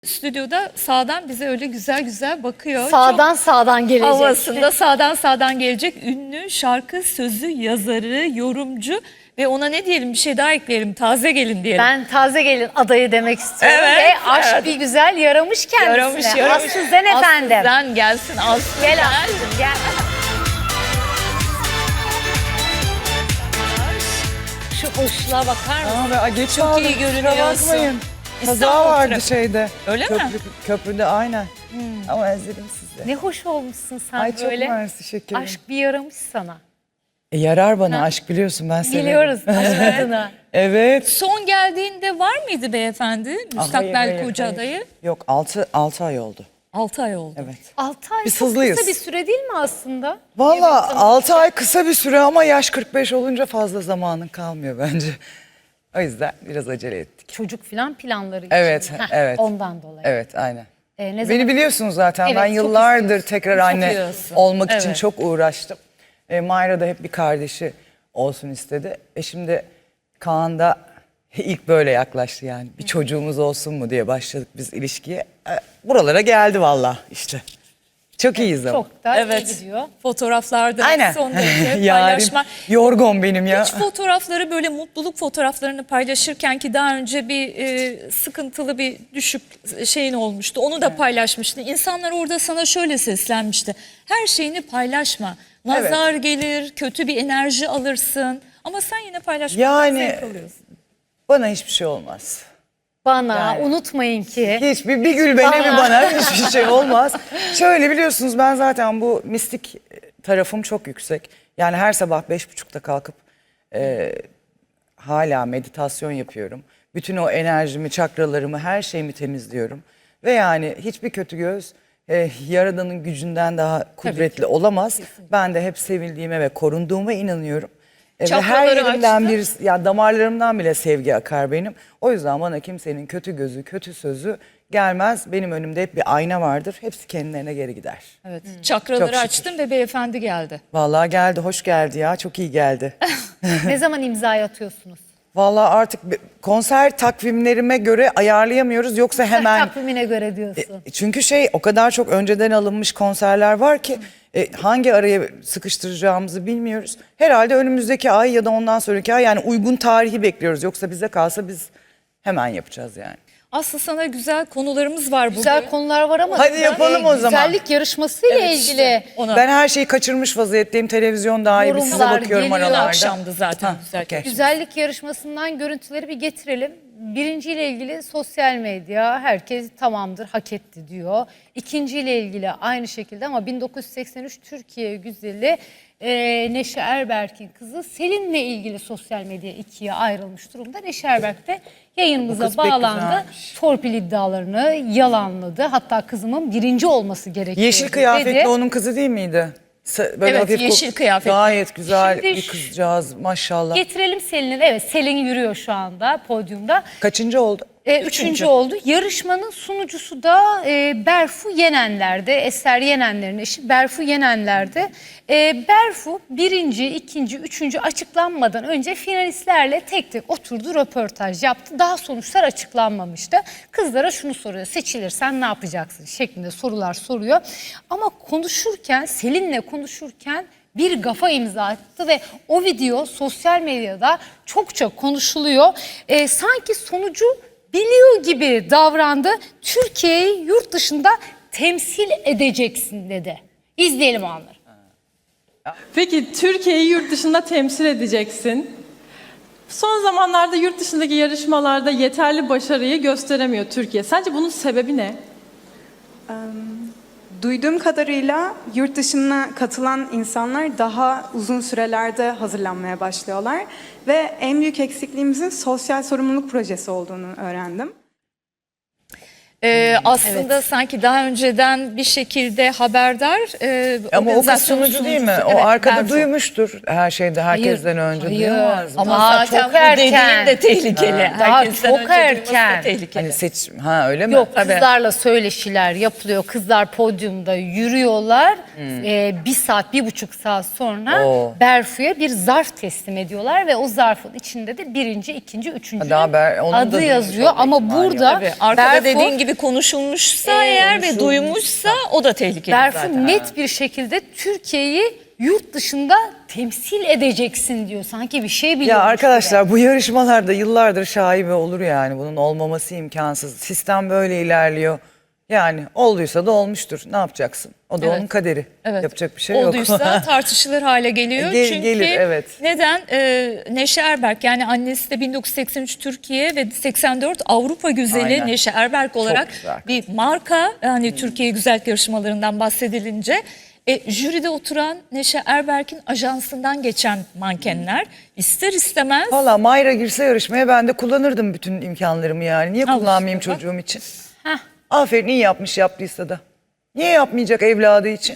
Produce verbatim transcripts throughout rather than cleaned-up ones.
Stüdyoda sağdan bize öyle güzel güzel bakıyor. Sağdan Çok sağdan gelecek. havasında sağdan sağdan gelecek ünlü şarkı sözü yazarı, yorumcu ve ona ne diyelim, bir şey daha ekleyelim, taze gelin diyelim. Ben taze gelin adayı demek istiyorum Evet, ve aşk evet. bir güzel yaramış kendisine. Yaramış, yaramış. Aslı Zen efendim. Aslı Zen gelsin, Aslı Gel Zen. Aslı gel. Şu hoşluğa bakar mısın? Aa, geç Çok aldım, iyi kusura görünüyorsun. bakmayın. Kaza İstanbul vardı trafik. şeyde. Öyle Köprü, mi? Köprüde aynen. Ama özledim sizi. Ne hoş olmuşsun sen Ay çok böyle. mersi şekerim. Aşk bir yaramış sana. E, yarar bana aşk, biliyorsun ben severim. Biliyoruz aşk adına. Evet. Son geldiğinde var mıydı beyefendi? Ah, Müstakbel hayır, hayır, koca hayır. adayı. Yok altı altı ay oldu. altı ay oldu. Evet. altı ay Biz çok hızlıyız. kısa bir süre değil mi aslında? Valla altı ay kısa bir süre ama yaş kırk beş olunca fazla zamanın kalmıyor bence. O yüzden biraz acele ettik. Çocuk filan planları için. Evet, Heh, evet. Ondan dolayı. Evet aynen. Ee, ne Beni zaman- biliyorsunuz zaten. Evet, ben çok yıllardır istiyorsun. tekrar Çok anne istiyorsun. olmak için Evet. çok uğraştım. E, Mayra da hep bir kardeşi olsun istedi. E şimdi Kaan da ilk böyle yaklaştı yani. Bir çocuğumuz olsun mu diye başladık biz ilişkiye. E, buralara geldi valla işte. Çok iyiyiz ama. Çok da Evet. iyi gidiyor. Fotoğraflarda Aynen. son derece Yarim paylaşma. yorgun benim ya. Hiç fotoğrafları, böyle mutluluk fotoğraflarını paylaşırken ki daha önce bir e, sıkıntılı bir düşük şeyin olmuştu. Onu da paylaşmıştı. İnsanlar orada sana şöyle seslenmişti. Her şeyini paylaşma. Nazar gelir, kötü bir enerji alırsın. Ama sen yine paylaşmaktan Yani zevk alıyorsun. bana hiçbir şey olmaz. Bana Yani. unutmayın ki. Hiçbir bir gül bana bir bana hiçbir şey olmaz. Şöyle biliyorsunuz ben zaten bu mistik tarafım çok yüksek. Yani her sabah beş buçukta kalkıp e, hala meditasyon yapıyorum. Bütün o enerjimi, çakralarımı, her şeyimi temizliyorum. Ve yani hiçbir kötü göz e, Yaradan'ın gücünden daha kudretli olamaz. Ben de hep sevildiğime ve korunduğuma inanıyorum. E, ve her Çakraları yerimden açtı. bir, ya damarlarımdan bile sevgi akar benim. O yüzden bana kimsenin kötü gözü, kötü sözü gelmez. Benim önümde hep bir ayna vardır. Hepsi kendilerine geri gider. Evet. Çok Çakraları şükür. açtın ve beyefendi geldi. Vallahi geldi, hoş geldi ya. Çok iyi geldi. Ne zaman imzayı atıyorsunuz? Vallahi artık bir- konser takvimlerime göre ayarlayamıyoruz. Yoksa hemen... Takvimine göre diyorsun. Çünkü şey o kadar çok önceden alınmış konserler var ki e, hangi araya sıkıştıracağımızı bilmiyoruz. Herhalde önümüzdeki ay ya da ondan sonraki ay, yani uygun tarihi bekliyoruz. Yoksa bize kalsa biz hemen yapacağız yani. Aslı sana güzel konularımız var bugün. Güzel konular var ama Hadi yapalım o zaman. güzellik yarışmasıyla Evet, ilgili işte ona. Ben her şeyi kaçırmış vaziyetteyim. Televizyon daha iyi, bir size Yorumlar bakıyorum geliyor. aralarda. Akşamdı zaten. Ha, güzel. okey. güzellik yarışmasından görüntüleri bir getirelim. Birinciyle ilgili sosyal medya herkes tamamdır, hak etti diyor. İkinciyle ilgili aynı şekilde ama bin dokuz yüz seksen üç Türkiye güzeli e, Neşe Erberk'in kızı Selin'le ilgili sosyal medya ikiye ayrılmış durumda. Neşe Erberk de Bu yayınımıza kız pek bağlandı. güzelmiş. Torpil iddialarını yalanladı. Hatta kızımın birinci olması gerekiyor Yeşil dedi. kıyafetli onun kızı değil miydi? Sa- Böyle Evet, hafif yeşil ko- kıyafetli. Gayet güzel Şimdi bir şu- kızcağız maşallah. Getirelim Selin'i. Evet, Selin yürüyor şu anda podyumda. Kaçıncı oldu? E, üçüncü oldu. Yarışmanın sunucusu da e, Berfu Yenenler'de. Eser Yenenler'in eşi Berfu Yenenler'de. E, Berfu birinci, ikinci, üçüncü açıklanmadan önce finalistlerle tek tek oturdu, röportaj yaptı. Daha sonuçlar açıklanmamıştı. Kızlara şunu soruyor: seçilirsen ne yapacaksın şeklinde sorular soruyor. Ama konuşurken, Selin'le konuşurken bir gafa imza attı ve o video sosyal medyada çokça konuşuluyor. E, sanki sonucu biliyor gibi davrandı. Türkiye'yi yurt dışında temsil edeceksin dedi. İzleyelim o anları. Peki Türkiye'yi yurt dışında temsil edeceksin. Son zamanlarda yurt dışındaki yarışmalarda yeterli başarıyı gösteremiyor Türkiye. Sence bunun sebebi ne? Duyduğum kadarıyla yurt dışına katılan insanlar daha uzun sürelerde hazırlanmaya başlıyorlar ve en büyük eksikliğimizin sosyal sorumluluk projesi olduğunu öğrendim. Ee, aslında sanki daha önceden bir şekilde haberdar. E, Ama o kız organizasyon sunucu değil mi? sunucusu. O Evet, arkada Berfu. duymuştur her şeyde herkesten önce. hayır. Duyamaz mı? Ama Daha zaten çok bu dediğin erken. de tehlikeli. Daha Herkesten çok önce duyması da erken. tehlikeli. Hani seç ha öyle mi? Yok, Tabii. kızlarla söyleşiler yapılıyor. Kızlar podyumda yürüyorlar. Ee, bir saat, bir buçuk saat sonra Oo. Berfu'ya bir zarf teslim ediyorlar ve o zarfın içinde de birinci, ikinci, üçüncü Daha Ber- onun da adı duymuş yazıyor. olma Ama ihtimali yok. burada Tabii, arkada Berfu dediğin gibi gibi konuşulmuşsa eğer ve duymuşsa o da tehlikeli Berfu zaten. net bir şekilde Türkiye'yi yurt dışında temsil edeceksin diyor. Sanki bir şey biliyormuş Ya gibi. arkadaşlar bu yarışmalarda yıllardır şaibe olur yani. Bunun olmaması imkansız. Sistem böyle ilerliyor. Yani olduysa da olmuştur. Ne yapacaksın? O da Evet. onun kaderi. Evet. Yapacak bir şey yok. Olduysa tartışılır hale geliyor. Gel- Çünkü gelir, evet. neden? Ee, Neşe Erberk, yani annesi de bin dokuz yüz seksen üç Türkiye ve seksen dört Avrupa güzeli Aynen. Neşe Erberk olarak güzel. bir marka. Hani Türkiye güzellik yarışmalarından bahsedilince e, jüride oturan Neşe Erberk'in ajansından geçen mankenler ister istemez Valla Mayra girse yarışmaya ben de kullanırdım bütün imkanlarımı yani. Niye Al kullanmayayım işte bak. çocuğum için? Aferin, iyi yapmış yaptıysa da. Niye yapmayacak evladı için?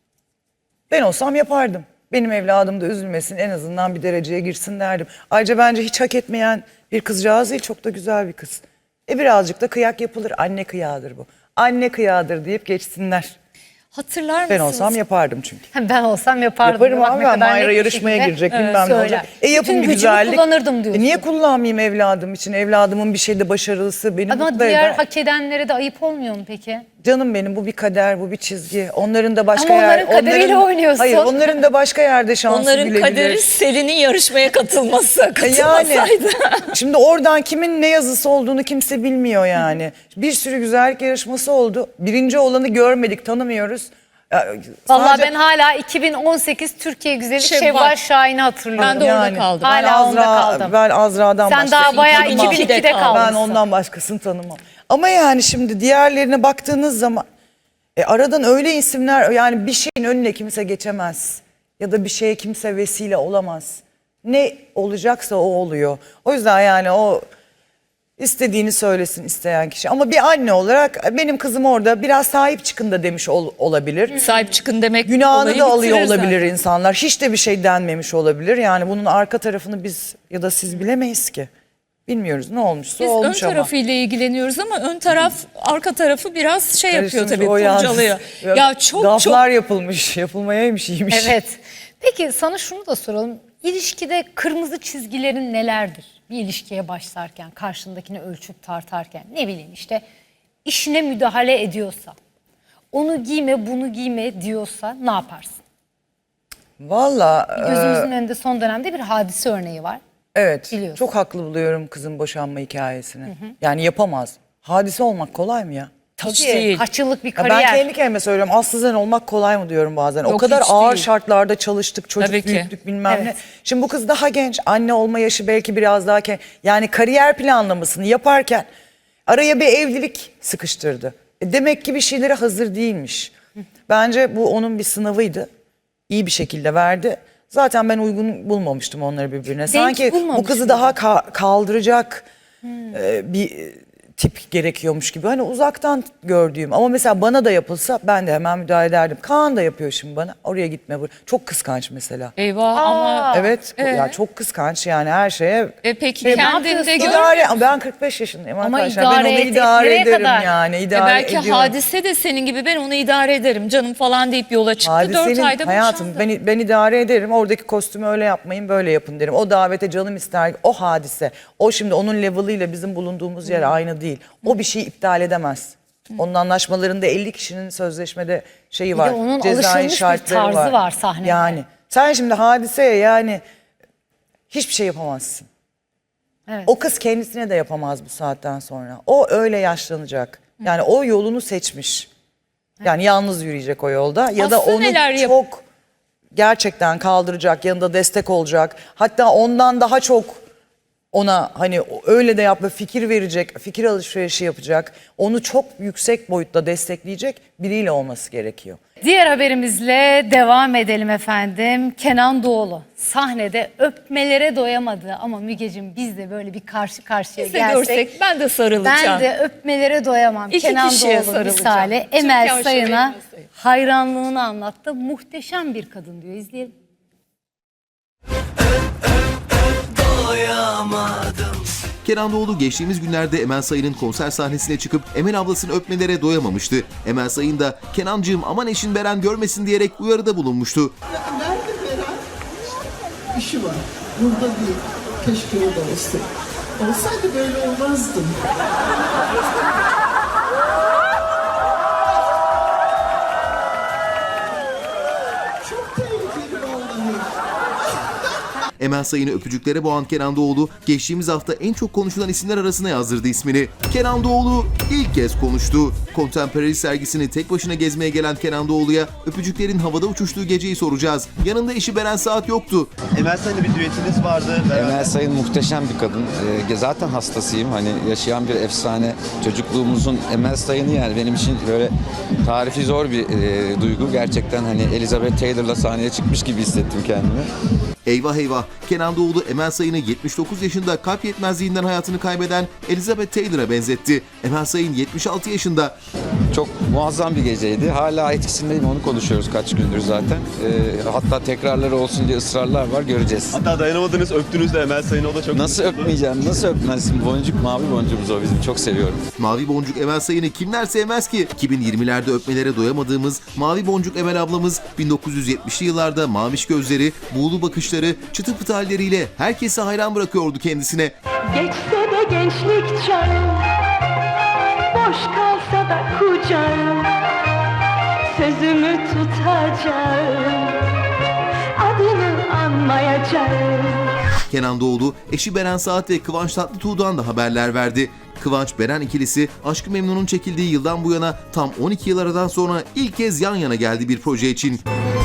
Ben olsam yapardım. Benim evladım da üzülmesin, en azından bir dereceye girsin derdim. Ayrıca bence hiç hak etmeyen bir kızcağız değil, çok da güzel bir kız. E birazcık da kıyak yapılır. Anne kıyağıdır bu. Anne kıyağıdır deyip geçsinler. hatırlar mısınız? Ben olsam yapardım çünkü. Ben olsam yapardım. Yaparım Bak abi, ne ben kadar net Mayra bir yarışmaya şekilde, girecek evet, bilmem ne söyler. olacak. E yapın Bütün bir gücümü güzellik. kullanırdım diyorsun. E niye kullanmayayım evladım için? Evladımın bir şeyde başarılısı beni Ama mutlu diğer eder. hak edenlere de ayıp olmuyor mu peki? Canım benim, bu bir kader, bu bir çizgi. Onların da başka Ama yer... onların kaderiyle oynuyorsun. Hayır, onların da başka yerde şansı Onların bilebilir. kaderi Selin'in yarışmaya katılması. Yani Katılmasaydı. şimdi oradan kimin ne yazısı olduğunu kimse bilmiyor yani. Bir sürü güzellik yarışması oldu. Birinci olanı görmedik, tanımıyoruz. Ya, Vallahi sadece- ben hala iki bin on sekiz Türkiye Güzeli Şevval. Şevval Şahin'i hatırlıyorum. Ben de orada kaldım. Ben Hala onda Azra, kaldım. Ben Azra'dan Sen başkasını daha bayağı tanımam. iki bin ikide Ben kalmışsın. Ben ondan başkasını tanımam. Ama yani şimdi diğerlerine baktığınız zaman e, aradan öyle isimler, yani bir şeyin önüne kimse geçemez. Ya da bir şeye kimse vesile olamaz. Ne olacaksa o oluyor. O yüzden yani o istediğini söylesin isteyen kişi. Ama bir anne olarak benim kızım orada biraz sahip çıkın da demiş ol- olabilir. Sahip çıkın demek Günahını olayı da alıyor bitirir olabilir zaten. insanlar. Hiç de bir şey denmemiş olabilir. Yani bunun arka tarafını biz ya da siz bilemeyiz ki. Bilmiyoruz, ne olmuşsa Biz ön olmuş ama. tarafıyla ilgileniyoruz ama ön taraf arka tarafı biraz şey yapıyor Karıştırmış, tabii, o yalnız. kurcalıyor. Ya çok Gaflar çok yapılmış, yapılmayaymış, iyiymiş. Evet. Peki sana şunu da soralım. İlişkide kırmızı çizgilerin nelerdir? Bir ilişkiye başlarken, karşındakini ölçüp tartarken, ne bileyim işte işine müdahale ediyorsa, onu giyme bunu giyme diyorsa ne yaparsın? Valla Gözümüzün önünde son dönemde bir hadise örneği var. evet, Biliyorsun. çok haklı buluyorum kızın boşanma hikayesini. Yani yapamaz. Hadise olmak kolay mı ya? hiç Tabii, değil. kaç yıllık bir Ya ben kariyer. kendi kendime söylüyorum, aslızen olmak kolay mı diyorum bazen. o Yok, kadar hiç ağır değil. şartlarda çalıştık, çocuk Tabii ki. büyüttük bilmem ne. Evet. Şimdi bu kız daha genç, anne olma yaşı belki biraz daha genç. Yani kariyer planlamasını yaparken araya bir evlilik sıkıştırdı. E demek ki bir şeylere hazır değilmiş. Bence bu onun bir sınavıydı. İyi bir şekilde verdi. Zaten ben uygun bulmamıştım onları birbirine. Sanki bu bulmamış kızı mıydın? daha ka- kaldıracak e, bir e, tip gerekiyormuş gibi. Hani uzaktan gördüğüm, ama mesela bana da yapılsa ben de hemen müdahale ederdim. Kaan da yapıyor şimdi bana. Oraya gitme. buraya. Çok kıskanç mesela. Eyvah ama Evet, ya çok kıskanç yani her şeye. e peki Şey, kendinde yapıyorsun? gör. İdare, ama ben kırk beş yaşındayım Ama arkadaşlar. idare Ben onu et- idare nereye ederim kadar? yani. E idare belki ediyorum. hadise de senin gibi ben onu idare ederim canım falan deyip yola çıktı. Dört Hadisenin ayda hayatım, boşandı. ben, ben idare ederim. Oradaki kostümü öyle yapmayın, böyle yapın derim. O davete canım ister. O hadise. O şimdi onun level'ıyla bizim bulunduğumuz yer aynı değil. O bir şeyi iptal edemez. Onun anlaşmalarında elli kişinin sözleşmede şeyi de var. onun cezai alışılmış bir şartları tarzı var sahnede. Yani sen şimdi hadiseye yani hiçbir şey yapamazsın. Evet. O kız kendisine de yapamaz bu saatten sonra. O öyle yaşlanacak. Yani o yolunu seçmiş. Yani yalnız yürüyecek o yolda. Ya da Aslı onu neler yap- çok gerçekten kaldıracak, yanında destek olacak. Hatta ondan daha çok ona hani öyle de yapma, fikir verecek, fikir alışverişi yapacak. Onu çok yüksek boyutta destekleyecek biriyle olması gerekiyor. Diğer haberimizle devam edelim efendim. Kenan Doğulu sahnede öpmelere doyamadı ama Mügeciğim biz de böyle bir karşı karşıya Biz de gelsek. görsek ben de sarılacağım. Ben de öpmelere doyamam. İki Kenan kişiye Doğulu sarılacağım. misali Türkan Emel Şahin Sayın'a Emel Sayın. hayranlığını anlattı. Muhteşem bir kadın diyor. İzleyelim. Kenan Doğulu geçtiğimiz günlerde Emel Sayın'ın konser sahnesine çıkıp Emel ablasını öpmelere doyamamıştı. Emel Sayın da Kenancığım aman eşin Beren görmesin diyerek uyarıda bulunmuştu. Nerede Beren? İşi var. Burada değil. Keşke o da olsa. Olsaydı böyle olmazdım. Emel Sayın'ı öpücüklere boğan Kenan Doğulu geçtiğimiz hafta en çok konuşulan isimler arasına yazdırdı ismini. Kenan Doğulu ilk kez konuştu. Contemporary sergisini tek başına gezmeye gelen Kenan Doğulu'ya öpücüklerin havada uçuştuğu geceyi soracağız. Yanında eşi Beren Saat yoktu. Emel Sayın'la bir düetiniz vardı. Emel Sayın muhteşem bir kadın. Ee, zaten hastasıyım. Hani yaşayan bir efsane. Çocukluğumuzun Emel Sayın'ı yani benim için böyle tarifi zor bir e, duygu. Gerçekten hani Elizabeth Taylor'la sahneye çıkmış gibi hissettim kendimi. Eyvah eyvah, Kenan Doğulu Emel Sayın'ı yetmiş dokuz yaşında kalp yetmezliğinden hayatını kaybeden Elizabeth Taylor'a benzetti. Emel Sayın yetmiş altı yaşında. Çok muazzam bir geceydi. Hala etkisindeyim, onu konuşuyoruz kaç gündür zaten. Ee, hatta tekrarları olsun diye ısrarlar var, göreceğiz. Hatta dayanamadınız, öptünüz de Emel Sayın'ı, o da çok... Nasıl öpmeyeceğim, nasıl öpmezsin? Boncuk, mavi boncuğumuz o bizim, çok seviyorum. Mavi Boncuk Emel Sayın'ı kimler sevmez ki? iki bin yirmilerde öpmelere doyamadığımız Mavi Boncuk Emel ablamız bin dokuz yüz yetmişli yıllarda maviş gözleri, buğulu bakışları, çıtı pıtı halleriyle herkesi hayran bırakıyordu kendisine. Geçse de gençlik çağım, boş kalsa da kucağım, sözümü tutacağım, adını anmayacağım. Kenan Doğulu, eşi Beren Saat ve Kıvanç Tatlıtuğ'dan da haberler verdi. Kıvanç-Beren ikilisi Aşk-ı Memnun'un çekildiği yıldan bu yana tam on iki yıl aradan sonra ilk kez yan yana geldi bir proje için.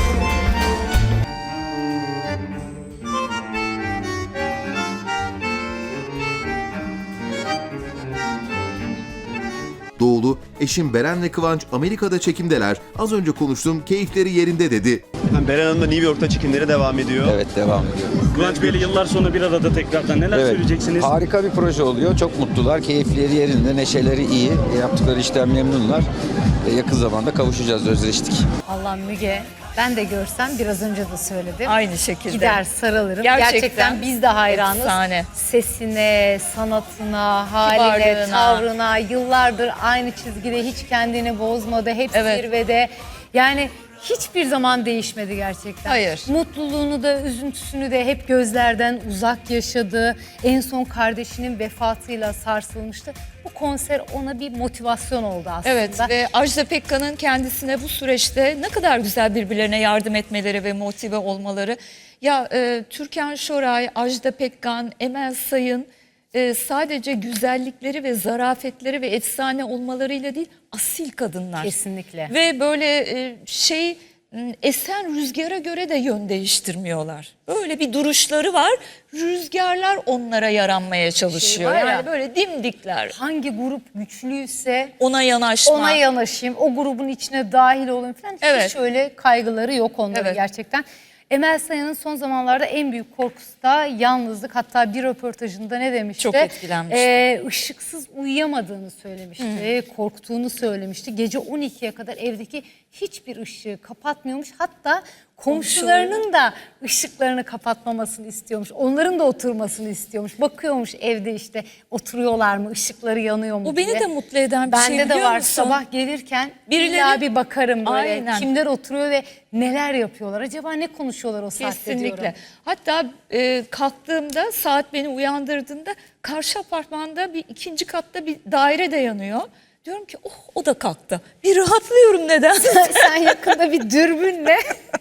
Doğulu, eşim Beren ve Kıvanç Amerika'da çekimdeler. Az önce konuştum, keyifleri yerinde dedi. Efendim, Beren Hanım da New York'ta çekimleri devam ediyor. Evet, devam ediyor. Kıvanç Bey'le yıllar sonra bir arada tekrardan neler Evet, söyleyeceksiniz? harika bir proje oluyor. Çok mutlular, keyifleri yerinde, neşeleri iyi. Yaptıkları işten memnunlar. E, yakın zamanda kavuşacağız, özleştik. Allah Müge, ben de görsem biraz önce de söyledim. Aynı şekilde. Gider sarılırım. Gerçekten Gerçekten, biz de hayranız. efsane. Sesine, sanatına, haline, Kibarlığına. tavrına, yıllardır aynı çizgide hiç kendini bozmadı. Hep Evet. zirvede. Yani hiçbir zaman değişmedi gerçekten. Hayır. Mutluluğunu da, üzüntüsünü de hep gözlerden uzak yaşadı. En son kardeşinin vefatıyla sarsılmıştı. Bu konser ona bir motivasyon oldu aslında. Evet ve Ajda Pekkan'ın kendisine bu süreçte ne kadar güzel birbirlerine yardım etmeleri ve motive olmaları. Ya e, Türkan Şoray, Ajda Pekkan, Emel Sayın e, sadece güzellikleri ve zarafetleri ve efsane olmalarıyla değil, asil kadınlar. Kesinlikle. Ve böyle e, şey m, esen rüzgara göre de yön değiştirmiyorlar. Böyle bir duruşları var. Rüzgarlar onlara yaranmaya çalışıyor. Şey var ya, yani böyle dimdikler. hangi grup güçlüyse Ona yanaşma. ona yanaşayım, o grubun içine dahil olayım falan. Evet. Hiç öyle kaygıları yok onların Evet. gerçekten. Emel Sayın'ın son zamanlarda en büyük korkusu da yalnızlık. Hatta bir röportajında ne demişti? Çok etkilenmişti. Ee, ışıksız uyuyamadığını söylemişti. Korktuğunu söylemişti. Gece on ikiye kadar evdeki hiçbir ışığı kapatmıyormuş. Hatta komşularının da ışıklarını kapatmamasını istiyormuş. Onların da oturmasını istiyormuş. Bakıyormuş evde işte oturuyorlar mı, ışıkları yanıyor mu Bu diye. beni de mutlu eden bir Bende şey de biliyor var. musun? Sabah gelirken Birileri- illa bir bakarım böyle. Aynen. Kimler oturuyor ve neler yapıyorlar? Acaba ne konuşuyorlar o saatte Kesinlikle. diyorum. Hatta e, kalktığımda, saat beni uyandırdığında karşı apartmanda bir ikinci katta bir daire de yanıyor. Diyorum ki oh, o da kalktı. Bir rahatlıyorum neden? Sen yakında bir dürbünle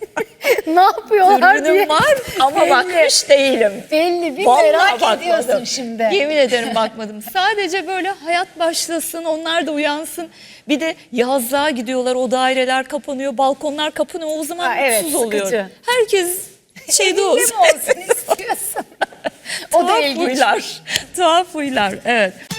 ne yapıyorlar diye. Dürbünüm var ama Belli. bakmış değilim. Belli bir Vallahi merak bakmadım. ediyorsun şimdi. Yemin ederim bakmadım. Sadece böyle hayat başlasın, onlar da uyansın. Bir de yazlığa gidiyorlar, o daireler kapanıyor, balkonlar kapanıyor. O zaman Ha, evet, mutsuz oluyor. sıkıcı. Herkes şeyde Evinde olsun. mi olsun istiyorsun? O da Tuhaf ilginç. huylar. Tuhaf huylar. Evet.